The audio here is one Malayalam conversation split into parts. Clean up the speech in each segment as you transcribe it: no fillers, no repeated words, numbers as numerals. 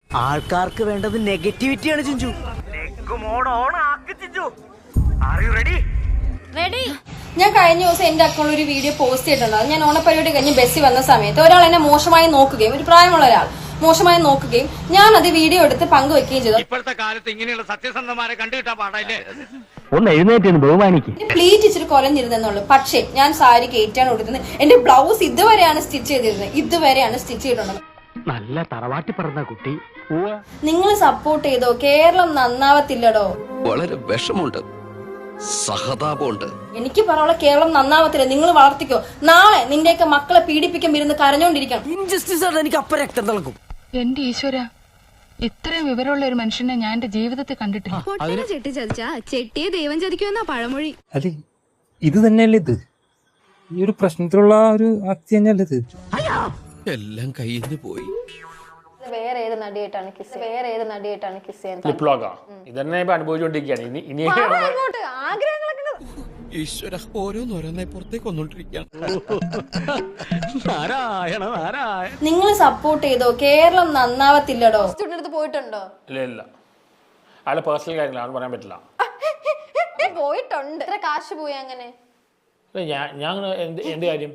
ആൾക്കാർക്ക് വേണ്ടത് നെഗറ്റിവിറ്റിയാണ് ചിഞ്ചു. ഞാൻ കഴിഞ്ഞ ദിവസം എന്റെ അക്കൗണ്ടിൽ ഒരു വീഡിയോ പോസ്റ്റ് ചെയ്തിട്ടുണ്ടായിരുന്നു. ഞാൻ ഓണപ്പരിപാടി കഴിഞ്ഞ് ബസ്സിൽ വന്ന സമയത്ത് ഒരാൾ എന്നെ മോശമായി നോക്കുകയും, ഒരു പ്രായമുള്ള ഒരാൾ മോശമായി നോക്കുകയും, ഞാൻ അത് വീഡിയോ എടുത്ത് പങ്കുവെക്കുകയും ചെയ്തു. ഇപ്പോഴത്തെ കാലത്ത് ഇങ്ങനെയുള്ള സത്യസന്ധമാരെ കണ്ടുകിട്ടാൻ പാടല്ലേ. ഒന്ന് എഴുന്നേറ്റ് ബഹുമാനിക്കും. പ്ലീറ്റ് ഇച്ചിരി കുറഞ്ഞിരുന്നുള്ളൂ. പക്ഷേ ഞാൻ സാരി കയറ്റാണ് കൊടുക്കുന്നത്. എന്റെ ബ്ലൗസ് ഇതുവരെയാണ് സ്റ്റിച്ച് ചെയ്തിരുന്നത്, ഇതുവരെയാണ് സ്റ്റിച്ച് ചെയ്തിട്ടുള്ളത്. നല്ല തറവാട്ടി പറഞ്ഞ കുട്ടി. നിങ്ങൾ സപ്പോർട്ട് ചെയ്തോ, കേരളം നന്നാവത്തില്ലടോ. വളരെ വിഷമുണ്ട്, സഹതാപമുണ്ട്. എനിക്ക് പറയാനുള്ള കേരളം നന്നാവത്തില്ല. നിങ്ങൾ വളർത്തിക്കോ. നാളെ നിന്റെയൊക്കെ മക്കളെ പീഡിപ്പിക്കാൻ ഇരുന്ന് കരഞ്ഞോണ്ടിരിക്കണം. ഇൻജസ്റ്റിസ് ആണ് എനിക്ക് അപ്പം രക്തം തിളക്കും. എന്റെ ഈശ്വര, ഇത്രയും വിവരമുള്ള ഒരു മനുഷ്യനെ ഞാൻ എന്റെ ജീവിതത്തിൽ കണ്ടിട്ടില്ല. ചെട്ടി ചതിച്ചാ ചെട്ടിയെ ദൈവം ചതിക്കുമെന്നാ പഴമൊഴി. അതെ, ഇത് തന്നെയല്ലേ ഇത്? ഈ ഒരു പ്രശ്നത്തിലുള്ള ഒരു ആക്തി തന്നെയല്ലേ ഇത്? എല്ലാം കയ്യിൽ നിന്ന് പോയി. വേറെ ഏത് നടിയായിട്ടാണ് കിസ് ചെയ്യാൻ ഇതന്നെ ഇപ്പൊ അനുഭവിച്ചുകൊണ്ടിരിക്കുകയാണ്. ഇനി ആഗ്രഹങ്ങളൊക്കെ ഈശ്വര, ഓരോന്നോരോന്നെ പുറത്തേക്ക് വന്നോണ്ടിരിക്കുകയാണ്. നാരായണ നാരായണ. നിങ്ങൾ സപ്പോർട്ട് ചെയ്തോ, കേരളം നന്നാവത്തില്ലടോ. അടുത്ത് പോയിട്ടുണ്ടോ? ഇല്ല, അയാളെ പേഴ്സണൽ കാര്യങ്ങളാണ് പറയാൻ പറ്റില്ല. പോയിട്ടുണ്ട്. എത്ര കാശ് പോയി അങ്ങനെ? ഞാൻ എന്ത് കാര്യം?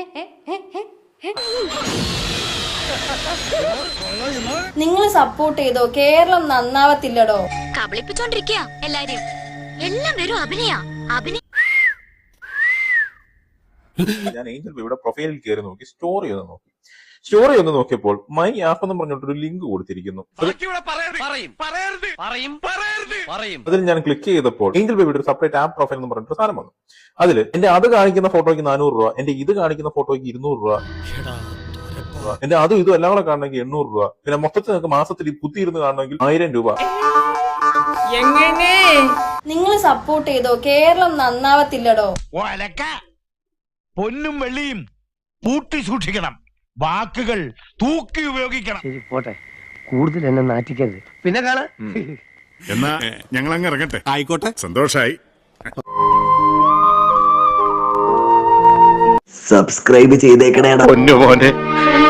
നിങ്ങൾ സപ്പോർട്ട് ചെയ്തോ, കേരളം നന്നാവത്തില്ലടോ. കബളിപ്പിച്ചോണ്ടിരിക്കുക എല്ലാരും. എല്ലാം വെറും അഭിനയ. ഞാൻ ഏഞ്ചൽ ബേബിയുടെ പ്രൊഫൈലിൽ കയറി നോക്കി, സ്റ്റോറി ഒന്ന് നോക്കിയപ്പോൾ മൈ ആപ്പ് എന്ന് പറഞ്ഞിട്ടൊരു ലിങ്ക് കൊടുത്തിരിക്കുന്നു. അതിൽ ഞാൻ ക്ലിക്ക് ചെയ്തപ്പോൾ ഏഞ്ചൽ ബേബിയുടെ ഒരു സെപ്പറേറ്റ് ആപ്പ് പ്രൊഫൈൽ എന്ന് പറഞ്ഞിട്ട് സാധനം വന്നു. അതിൽ എന്റെ അത് കാണിക്കുന്ന ഫോട്ടോയ്ക്ക് 400 രൂപ, എന്റെ ഇത് കാണിക്കുന്ന ഫോട്ടോയ്ക്ക് 200 രൂപ, എന്റെ അതും ഇതും എല്ലാം കൂടെ കാണണമെങ്കിൽ 800 രൂപ, പിന്നെ മൊത്തത്തിൽ നിങ്ങൾക്ക് മാസത്തിൽ കുത്തിയിരുന്ന് കാണണമെങ്കിൽ 1000 രൂപ. നിങ്ങൾ സപ്പോർട്ട് ചെയ്തോ, കേരളം നന്നാവത്തില്ലടോ. പൊന്നും വെള്ളിയും പൂട്ടി സൂക്ഷിക്കണം, വാക്കുകൾ തൂക്കി ഉപയോഗിക്കണം. ശരി, പോട്ടെ, കൂടുതൽ എന്നെ നാറ്റിക്കരുത്. പിന്നെ കാണാം. എന്നാ ഞങ്ങൾ അങ്ങ് ഇറങ്ങട്ടെ. ആയിക്കോട്ടെ, സന്തോഷായി. സബ്സ്ക്രൈബ് ചെയ്തേക്കണേടാ പൊന്നു മോനെ.